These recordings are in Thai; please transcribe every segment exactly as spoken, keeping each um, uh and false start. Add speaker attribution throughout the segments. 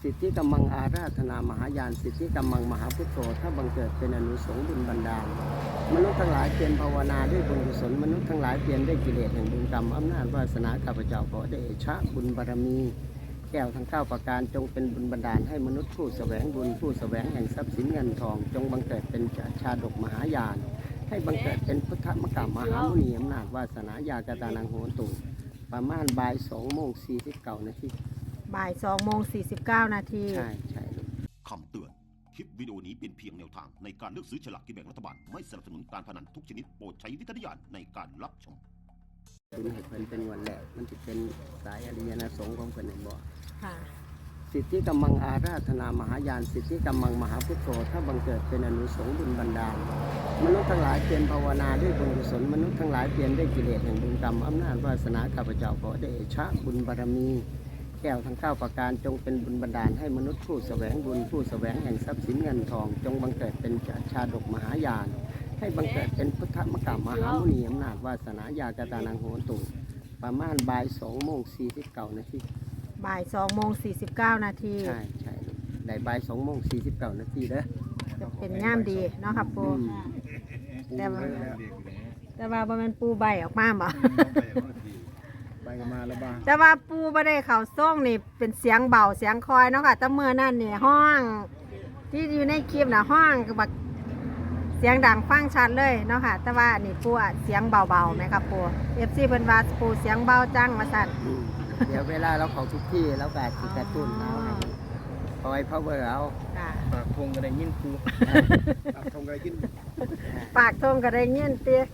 Speaker 1: สิทธิกำมังอาราธนามหายานสิทธิกำมังมหาพุทโธถ้าบังเกิดเป็นอนุสงส์บุญบันดาลมนุษย์ทั้งหลายเปลี่ยนภาวนาด้วยบุญกุศลมนุษย์ทั้งหลายเปลี่ยนด้วยกิเลสแห่งบุญกรรมอำนาจวาสนาข้าพเจ้าขอเดชะบุญบารมีแก้วทั้งเก้าประการจงเป็นบุญบันดาลให้มนุษย์ผู้แสวงบุญผู้แสวงแห่งทรัพย์สินเงินทองจงบังเกิดเป็นชาดกมหายานให้บังเกิดเป็นพุทธมกามหามุนีอำนาจวาสนายากตานังโหตุประมาณบ่ายสองโมงสี่สิบเก้านาที
Speaker 2: บ่ายสองโมงสี่สิบเก้านาที
Speaker 1: ใช่ใช่
Speaker 3: คำเตือนคลิปวิดีโอนี้เป็นเพียงแนวทางในการเลือกซื้อฉลากกินแบ่งรัฐบาลไม่สนับสนุนการพนันทุกชนิดโปรดใช้วิจารณญาณในการรับชม
Speaker 1: คุณให้เพิ่นเป็นวันแรกมันจะเป็นสายอริยนสงฆ์ของเพิ่นในบ่
Speaker 2: ค่ะ
Speaker 1: สิทธิกำมังอาราธนามหายานสิทธิกำมังมหาพุทโธถ้าบังเกิดเป็นอนุสงส์บุญบันดาลมนุษย์ทั้งหลายเปลี่ยนภาวนาด้วยบุญกุศลมนุษย์ทั้งหลายเปลี่ยนด้วยกิเลสแห่งบุญกรรมอำนาจวาสนาข้าพเจ้าขอเดชะบุญบารมีแก้วทั้งเก้าประการจงเป็นบุญบันดาลให้มนุษย์ผู้แสวงบุญผู้แสวงแห่งทรัพย์สินเงินทองจงบังเกิดเป็นชาดกมหายานให้บังเกิดเป็นพุทธมกามหามุนีอำนาจวาสนายากตานังโหตุประมาณบ่ายสองโมงสี่สิบเก้านาที
Speaker 2: บ่ายสองโมงสี่สิบเก้านาที
Speaker 1: ใช่ใช่ได้บ่ายสองโมงสี่สิบเก้านาทีเด้อ
Speaker 2: จะเป็นย่ามดีเนาะครับปูแต่ว่าแต่ว่าบ่แม่นปูใบออกมาบ่
Speaker 1: ใบมาแล้วบ้าง
Speaker 2: แต่ว่าปูบ่ได้เข้าส่งนี่เป็นเสียงเบาเสียงคอยเนาะค่ะแต่เมื่อนั้นนี่ห้องที่อยู่ในคลิปน่ะห้องก็แบบเสียงดังฟังชัดเลยเนาะค่ะแต่ว่านี่ปูอ่ะเสียงเบาๆไหมครับปู เอฟ ซี เพิ่นว่าปูเสียงเบาจังว่าซั่น
Speaker 1: เดี๋ยวเวลาเราเข้าทุกที่แล้วก็สิกระตุ้นเอาคอยพาวเวอร์เอา
Speaker 4: ปากทงก็ได้ยินปูปากทงก็ได้ยิน
Speaker 2: ปากทงก็ได้ยินเตี้ย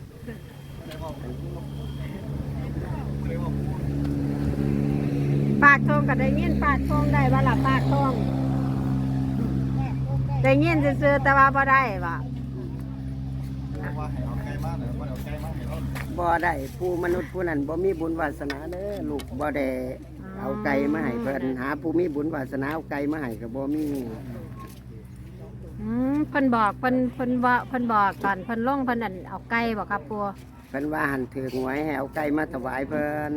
Speaker 2: ปากทงก็ได้ยินปากทงได้บ่ล่ะปากทงได้ยินซื่อๆแต่ว่าบ่ได้บ่
Speaker 1: บ่ได้ผู้มนุษย์ผู้นั้นบ่มีบุญวาสนาเด้อลูกบ่ได้เอาไก่มาให้เพิ่นหาผู้มีบุญวาสนาเอาไก่มาให้ก็บ่มี
Speaker 2: อืมเพิ่นบอกเพิ่นเพิ่นว่าเพิ่นบอกก่อนเพิ่นลงเพิ่นนั่นเอาไก่บ่ครับปู่
Speaker 1: เพิ่นว่าหันถือหวยให้เอาไก่มาถวายเพิ่น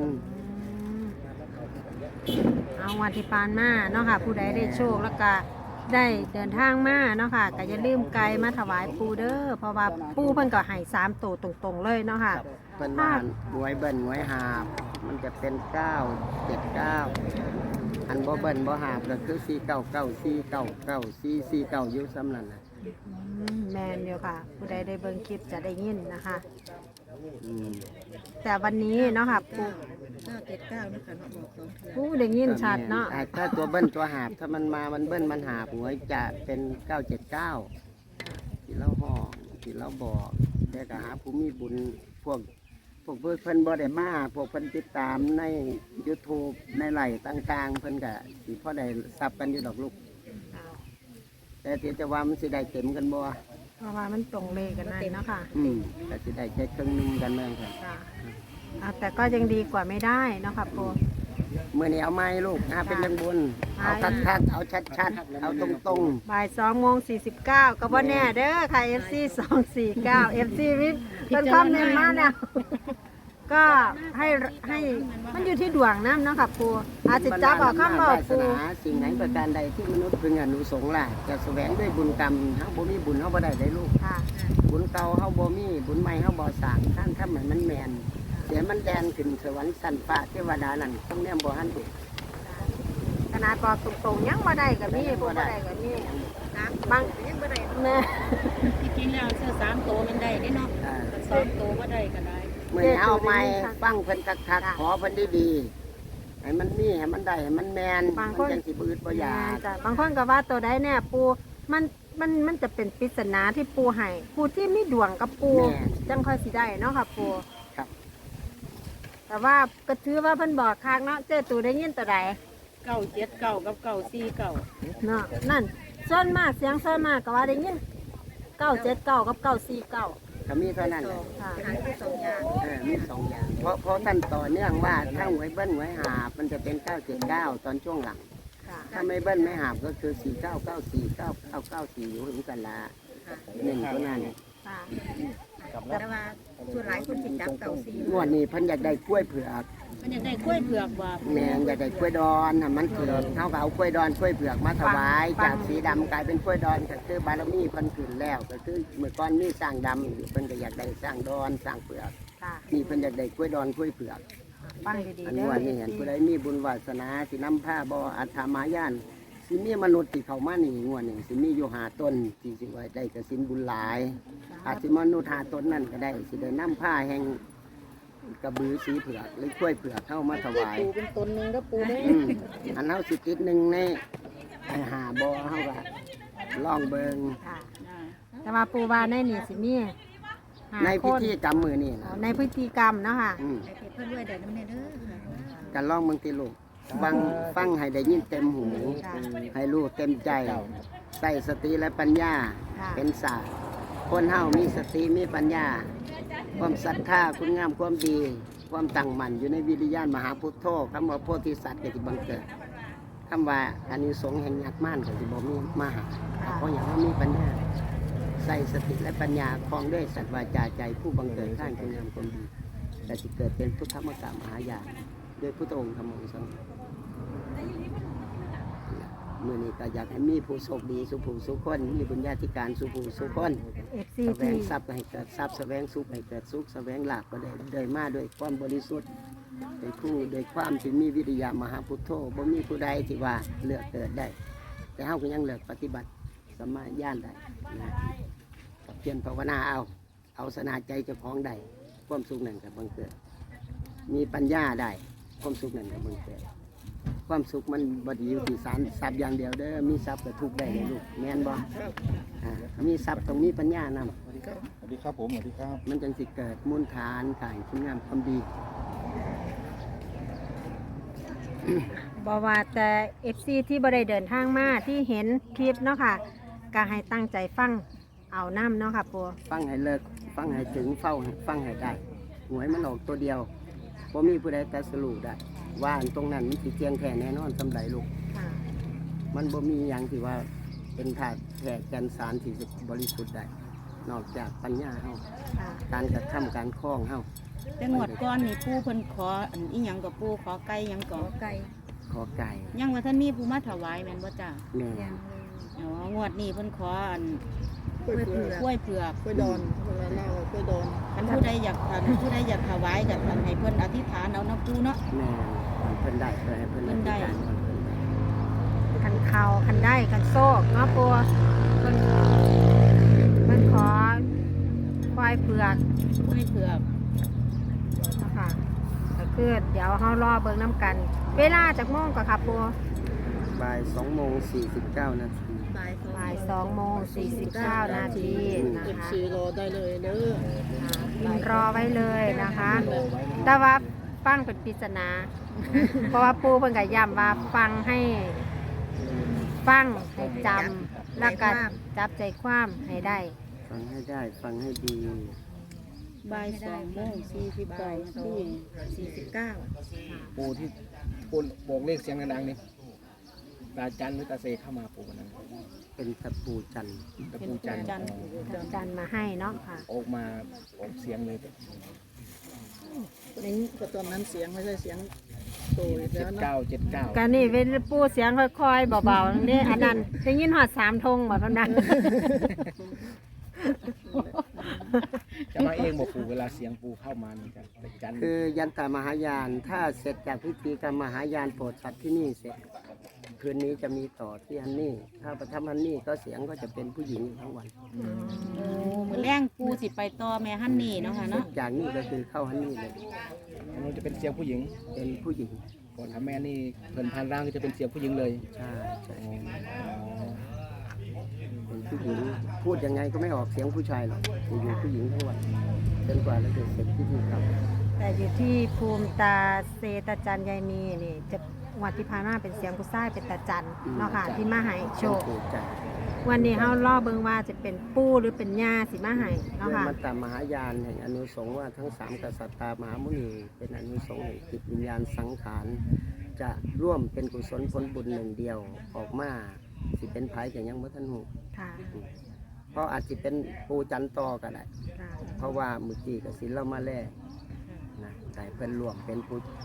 Speaker 2: เอาวันที่ปานมาเนาะค่ะผู้ใดได้โชคแล้วก็ได้เดินทางมาเนาะค่ะก็อย่าลืมไก่มาถวายปู่เด้อเพราะว่าปู่เพิ่นก็ให้สามตัวตรงๆเลยเนาะค่ะ
Speaker 1: เพิ่นว่าหวยเบิ้ลหวยหาบมันจะเป็นเก้าเจ็ดเก้าอันบ่เบิ้ลบ่หาบก็คือสี่เก้าเก้าสี่เก้าเก้าสี่สี่เก้าอยู่ซ้ำนั่นน่ะ
Speaker 2: แม่นอยู่ค่ะผู้ใดได้เบิ่งคลิปจะได้ยินนะคะ
Speaker 1: อืม
Speaker 2: แต่วันนี้เนาะค่ะปู่
Speaker 5: เก้าเจ็ดเก้านะคะเนาะบอกสองเทื่อ
Speaker 2: ปู่ได้ยินชัดเนาะ
Speaker 1: ถ้าตัวเบิ้ลตัวหาบถ้ามันมามันเบิ้ลมันหาบหวยจะเป็นเก้าเจ็ดเก้าที่เราห้องที่เราบอกแต่ก็หาผู้มีบุญพวกพวกเพิ่นบ่ได้มาพวกเพิ่นติดตามใน YouTube ในไลฟ์ต่างๆเพิ่นก็สิพอได้ทรัพย์กันอยู่ดอกลูกแต่ที่จะว่ามันสิได้เต็มกันบ่
Speaker 2: เพราะว่ามันตรงเลขกันนั่นเนาะค่ะ
Speaker 1: อืมแต่สิได้แค่ครึ่งนึงกันแม่นค่ะ
Speaker 2: อ่าแต่ก็ยังดีกว่าไม่ได้เนาะค่ะปู่
Speaker 1: มื้อนี้เอาไม้ลูกหาเป็นเรื่องบุญเอาชัดๆเอาชัดๆเอาตรง
Speaker 2: ๆบ่ายสองโมงสี่สิบเก้าก็บ่แน่เด้อค่ะ เอฟ ซี สองสี่เก้า เอฟ ซี วิทย์เพิ่นคอมเมนต์มาแล้วก็ให้ให้มันอยู่ที่ดวงน้ำเนาะค่ะปู่อาจจะจับเอาคำเว้าปู่
Speaker 1: สิ่งไหนประการใดที่มนุษย์พึงอนุสงส์ล่ะจะแสวงด้วยบุญกรรมเฮาบ่มีบุญเฮาบ่ได้ได้ลูก
Speaker 2: ค่ะ
Speaker 1: บุญเก่าเฮาบ่มีบุญใหม่เฮาบ่สร้างท่านทำให้มันแม่นเดี๋ยวมันแดนขึ้นสวรรค์ชั้นฟ้าเทวดานั่นต้องแนมบ่หันเด็ก
Speaker 2: ขนาดบอกตรงๆยังบ่ได้ก็มีบ่ได้ก็มีนะบางยังบ่ได้แม่
Speaker 5: ที่จริงแล้วเสื้อสามตัวมันได้เด้เนาะสองตัวบ่ได้ก็ได้
Speaker 1: เมื่อเอาไม้ฟังเพิ่นคักๆขอเพิ่นดีๆให้มันมีให้มันได้ให้มันแม่นมันจังสิบ่อึดบ่อยาก
Speaker 2: จ้ะบางคนก็ว่าตัวใดแน่ปู่มันมันมันจะเป็นปริศนาที่ปู่ให้ผู้ที่มีดวงกับปู่จังค่อยสิได้เนาะค่ะปู่แต่ว่าก็ถือว่าเพิ่นบอกคักเนาะเจ้าตู่ได้ยินตัวใด
Speaker 5: เก้าเจ็ดเก้ากับเก้าสี่เก้า
Speaker 2: เนาะนั่นส่วนมากเสียงส่วนมากก็ว่าได้ยินเก้าเจ็ดเก้ากับเก้าสี่เก้า
Speaker 1: ก็มีเท่านั้น
Speaker 2: ค่ะ
Speaker 5: มีสองอย่าง
Speaker 1: เออมีสองอย่างเพราะเพราะท่านต่อเนื่องว่าถ้าหวยเบิ้ลหวยหาบมันจะเป็นเก้าเจ็ดเก้าตอนช่วงหลังถ้าไม่เบิ้ลไม่หาบก็คือสี่เก้าเก้าสี่เก้าเก้าเก้าสี่อยู่ถึงกันละหนึ่งตัวนั้น
Speaker 5: แต่ว่าส่วนหลายคนติดจับเก้าสี่
Speaker 1: งวดนี้เพิ่นอยากได้กล้วยเผือก
Speaker 5: มันอยากได้กล้วยเผือกว่า
Speaker 1: แม่นอยากได้กล้วยดอนน่ะมันเผือกเขาก็เอากล้วยดอนกล้วยเผือกมาถวายจากสีดำกลายเป็นกล้วยดอนก็คือบารมีเพิ่นขึ้นแล้วก็คือเมื่อก่อนมีสร้างดำอยู่เพิ่นก็อยากได้สร้างดอนสร้างเผือก
Speaker 2: ค่ะ
Speaker 1: นี่เพิ่นอยากได้กล้วยดอนกล้วยเผือก
Speaker 2: ฟังดี
Speaker 1: อั
Speaker 2: ๆ
Speaker 1: น
Speaker 2: เด้
Speaker 1: นี้
Speaker 2: อ
Speaker 1: ว่านี่เห็นผู้ใดมีบุญวาสนาสินำผ้าบ่อัฐามายานสิมีมนุษย์ที่เข้ามานี่งวดนี่สิมีอยู่หาต้นที่สิว่าได้กสินบุญหลาย อาจสิมนุษย์หาต้นนั่นก็ได้สิได้นำผ้าแห่งกระบือสีเผือกหรือกล้วยเผือกเข้ามาถวาย
Speaker 5: ปูเป็นตนหนึงก็ปูได้
Speaker 1: อืมอันเฮาสิติดหนึ่งในไอ้หาบ่เฮาก็ลองเบิง
Speaker 2: ค่ะ แต่ว่าปูว่าในนี่สิมีห้า
Speaker 1: ใน
Speaker 2: ค
Speaker 1: พิ
Speaker 2: น
Speaker 1: ธีกรรมมือนี่
Speaker 2: อ๋
Speaker 1: นะ
Speaker 2: อในพิธีกรรมเนาะค่ะ
Speaker 1: อืม
Speaker 5: ไอ้เพิ่นด้วยได้น้ำเนี่ยเด้อค่ะ
Speaker 1: กันลองเบิ่งติลูกฟังฟังให้ได้ยินเต็มหู
Speaker 2: ค่ะ
Speaker 1: ให้รู้เต็มใจใส่สติและปัญญา
Speaker 2: ค่ะ
Speaker 1: เป็นศาสตร์คนเฮามีสติมีปัญญา ความศรัทธาคุณงามความดี ความตั้งมั่นอยู่ในวิริยานมหาพุทโธคำว่าโพธิสัตว์ก็สิบังเกิดคำว่าอานิสงส์แห่งยักษ์ม่านก็สิบ่มีมาหาเพราะอย่างว่ามีปัญญา ใส่สติและปัญญาคลองด้วยสัตว์วาจาใจผู้บังเกิดข้างคุณงามความดีแต่สิเกิดเป็นพุทธมกะมหายานด้วยพุทธองค์ธรรมองค์สังฆมื่อนี้ก็อยากให้มีผู้โชคดีสุผู้สุคนมีบุญญาธิการสุผู้สุคน
Speaker 2: เอฟซี
Speaker 1: แสว
Speaker 2: ที่
Speaker 1: งทรัพย์ก็ให้เกิดทรัพย์แสวงสุขให้เกิดสุขแสวงลาภก็ได้โดยมาด้วยความบริสุทธิ์โดยผู้โดยความที่มีวิริยะมหาพุทโธบ่มีผู้ใดที่ว่าเลือกเกิดได้ แต่เฮาก็ยังเลือกปฏิบัติสมมาญาณได้นะกับเพียรภาวนาเอา เอาสนาใจเจ้าของได้ความสุขนั่นก็บังเกิด มีปัญญาได้ความสุขนั่นก็บังเกิด ความสุขมันบไดีอยู่ที่สารทรัพย์อย่างเดียวเด้อมีทรัพย์ก็ทุกข์ได้เลยลูกแม่นบ่อ่ามีทรัพย์ต้องมีปัญญานำ
Speaker 6: สวัสดีครับผมสวัสดีครับ
Speaker 1: มันจึงสิเกิดมูลฐานขายคุณงามความดี
Speaker 2: บอกว่าแต่เอฟซีที่บริเดินทางมาที่เห็นคลิปเนาะค่ะก็ให้ตั้งใจฟังเอาน้ำเนาะค่ะปู
Speaker 1: ฟังให้เลิกฟังให้ถึงเฝ้าฟังให้ได้หวยมันออกตัวเดียวพอมีผู้ใดแต่สรุปได้ ว่าอันตรงนั้นมันสิเจียงแท้แน่นอนสำใดลูก
Speaker 2: ค่ะ
Speaker 1: มันบ่มีอย่างที่ว่าเป็นธาตุแท้แก่นสารที่จะบริสุทธิ์ได้ นอกจากปัญญาเฮา
Speaker 2: ค่ะ
Speaker 1: การกระทำการคล้องเฮา
Speaker 5: แต่งวดก่อนนี่ปูเพิ่นขออันอีหยังกับปูขอไก่หยังก่อไก่
Speaker 1: ขอไก่
Speaker 5: ยังว่าท่านมีผู้มาถวายแม่นบ่จ้า
Speaker 1: แม่
Speaker 5: อ๋องวดนี้เพิ่นขออัน
Speaker 4: กล้วยเผือก
Speaker 5: กล้วยเผือก
Speaker 4: กล้วยดอนเวลาเล่ากล้วยดอน
Speaker 5: คันผู้ใดอยากทานผู้ใดอยากถวายกับให้เพิ่นอธิษฐานเอาน้ำปูเนาะ
Speaker 1: แม่เพิ่นได้เพื่อให้เพิ่น
Speaker 5: เพิ่นได้
Speaker 1: อธิษฐานก่อนเพิ่นได้
Speaker 2: คันเข่าคันได้คันโซกเนาะปูมันมันขอควายเผือก
Speaker 5: กล้วยเผือก
Speaker 2: เนาะค่ะก็คือเดี๋ยวเขารอเบิ่งน้ำกัน เวลาจากโมงก็ค่ะปู
Speaker 1: บ่ายสองโมงสี่สิบเก้านาที
Speaker 5: บ่าย
Speaker 2: บ่ายสองโมงสี่สิบเก้านาทีนะ
Speaker 4: เอฟ
Speaker 2: คะ
Speaker 4: ซีรอได้เลยเด้อ
Speaker 2: อ่ารอไว้เลยนะคะ แต่ว่าฟังเป็นปริศนา เพราะว่าปูเพิ่นก็ย้ำว่าฟังให้ฟังให้จำแล้วก็จับใจความให้ได้
Speaker 1: ฟังให้ได้ฟังให้ดี
Speaker 5: บ่ายสองโมงสี่สิบเก้านาทีสี่สิบเก้า
Speaker 4: ปูที่ปูบอกเลขเสียงดังๆนี่ตาจันหรือตาเซเข้ามาปูวันนั้น
Speaker 1: เป็นตะปูจันทร์
Speaker 4: ตะปูจัน
Speaker 5: จันทร์
Speaker 2: จันมาให้เนาะค่ะ
Speaker 4: ออกมาออกเสียงเลยนี่ก็ตอนนั้นเสียงไม่ใช่เสียงโตอีก
Speaker 6: เจ็
Speaker 4: แล้
Speaker 6: ด
Speaker 4: วนะ
Speaker 6: เก้าเจ็ดเก้า
Speaker 2: การนี่เป็นปูเสียงค่อยๆเบาๆนี่อันนั้นได้ยินหอดสามธงแบบนั้น
Speaker 6: จะมาเองบอกปู่เวลาเสียงปู่เข้ามานี่กันแต่จันทร์
Speaker 1: คือยันตามหายาน ถ้าเสร็จจากพิธีกรรมมหายานโปรดสัตว์ที่นี่เสร็จ คืนนี้จะมีต่อที่ฮันนี่ ถ้าประทับฮันนี่ก็เสียงก็จะเป็นผู้หญิงทั้งวัน
Speaker 5: โอ้มื้อแรงปูสิไปต่อแม่ฮันนี่เนาะค่ะ
Speaker 1: เสร็
Speaker 5: เนาะ
Speaker 1: จจากนี้ก็คือเข้าฮันนี่เลย
Speaker 6: อันนู้นจะเป็นเสียงผู้หญิง
Speaker 1: เป็นผู้หญิง
Speaker 6: ก่อนทำแม่นี่เพิ่นพันร่างก็จะเป็นเสียงผู้หญิงเลย
Speaker 1: ใช่ใช่
Speaker 6: อ๋อ
Speaker 1: เป็นผู้หญิง พูดยังไงก็ไม่ออกเสียงผู้ชายหรอกจะอยู่ผู้หญิงทั้งวันจนกว่าเราจะเสร็จพิธีกรรม
Speaker 2: แต่อยู่ที่ภูมิตาเซตาจันยายมีนี่จะงวัดที่ผ่านมาเป็นเสียงผู้ชายเป็นตาจันเนาะค่ะที่มาให้โชค
Speaker 1: ปูจันทร์
Speaker 2: วันนี้เฮาล่อเบิ่งว่าจะเป็นปูหรือเป็นย่าสิมาให้เนาะ
Speaker 1: เรื่อง
Speaker 2: ค่ะ
Speaker 1: มัตตมหายานแห่งอนุสงส์ว่าทั้งสามกษัตริย์ตามหามุนีเป็นอนุสงส์แห่งจิตวิญญาณสังขารจะร่วมเป็นกุศลผลบุญหนึ่งเดียวออกมาสิเป็นไผ่อย่างยังบ่ทันหู
Speaker 2: ค่ะ
Speaker 1: เพราะอาจจะเป็นปูจันต่อก็ได้
Speaker 2: ค่ะ
Speaker 1: เพราะว่ามือจีกับศิลเรามาแล่นะแต่เพิ่นรวมเป็นผู้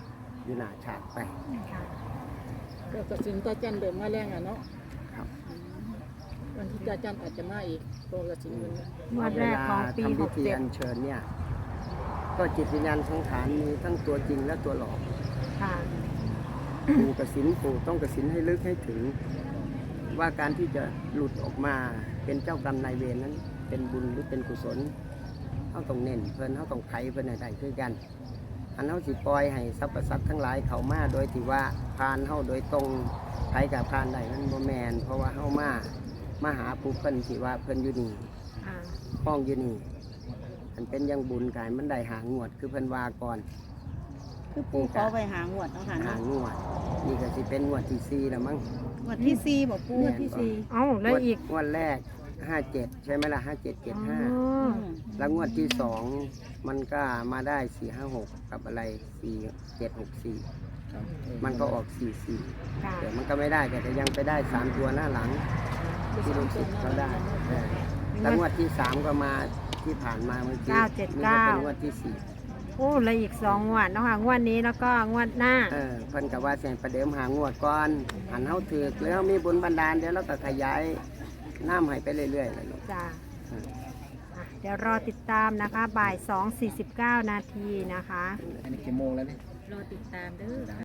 Speaker 1: อยู่หน้าฉากไป
Speaker 2: ค่ะ
Speaker 6: ก็ตัดสินตาจันเดิมมาแรงอ่ะเนาะ
Speaker 1: ครับ
Speaker 6: วันที่ตาจันอาจจะมาอีกตัวตัดสินมันเนี่ย
Speaker 2: งวดแรกของปี
Speaker 1: เวลาทำ
Speaker 2: ห
Speaker 1: พิ
Speaker 2: ก
Speaker 1: ธี
Speaker 2: เจ็ด
Speaker 1: อัญเชิญเนี่ย ก็จิตวิญญาณสังขารมีทั้งตัวจริงและตัวหลอก
Speaker 2: ค่ะ
Speaker 1: ปู่กสินปู่ต้องกสินให้ลึกให้ถึง ว่าการที่จะหลุดออกมาเป็นเจ้ากรรมนายเวรนั้น เป็นบุญหรือเป็นกุศลเขาต้องเน้นเพิ่นเขาต้องไถเพิ่นให้ได้คือกัน อันเขาสิปล่อยให้สรรพสัตว์ทั้งหลายเขามาโดยที่ว่าพานเขาโดยตรงไถกับพานได้นั้นบ่แมนเพราะว่าเขามามาหาผู้เพิ่นที่ว่าเพิ่นอยู่นี่
Speaker 2: อ่า
Speaker 1: ห้องอยู่นี่มันเป็นอยังบุญกายมันได้หางวดคือเพิ่นว่าก่อน
Speaker 5: คือปูขอไปหางวดเนาะค่ะ
Speaker 1: หา
Speaker 5: เนาะ
Speaker 1: งวดนี่ก็สิเป็นงวดที่สี่แล้วมั้ง
Speaker 5: งวดที่สี่บอกปู
Speaker 1: งวดที่สี่
Speaker 2: เอ้าแล้วอีก
Speaker 1: งวดแรกห้าเจ็ดใช่ไหมล่ะห้าเจ็ดเจ็ดห้า
Speaker 2: อ๋อ
Speaker 1: แล้วงวดที่สองมันก็มาได้สี่ห้าหกกับอะไรสี่เจ็ดหกสี่
Speaker 6: ครับ
Speaker 1: มันก็ออกสี่สี่
Speaker 2: ค่ะ
Speaker 1: แต่มันก็ไม่ได้แต่ก็ยังไปได้สามตัวหน้าหลังที่ลูกศิษย์เขาได้เออแล้วงวดที่สามก็มาที่ผ่านมาเมื่อกี้
Speaker 2: เก้าเจ็ด
Speaker 1: นี่
Speaker 2: เก้า
Speaker 1: ก็เป็นงวดที่สี่
Speaker 2: โอ้แล้วอีกสองงวดเนาะค่ะงวดนี้แล้วก็งวดหน้า
Speaker 1: เออเพิ่นกับว่าเสียงประเดิมหางวดก่อนหันเฮาถือกแล้วมีบุญบันดาลเดี๋ยวเราก็ขยายน้ำให้ไปเรื่อยๆเลยลูก
Speaker 2: จ้า
Speaker 1: เออ
Speaker 2: อ่ะเดี๋ยวรอติดตามนะคะ บ่ายสองสี่สิบเก้านาทีนะคะ
Speaker 6: อันนี้กี่โมงแล้วเนี่ย
Speaker 5: รอติดตามเด้อ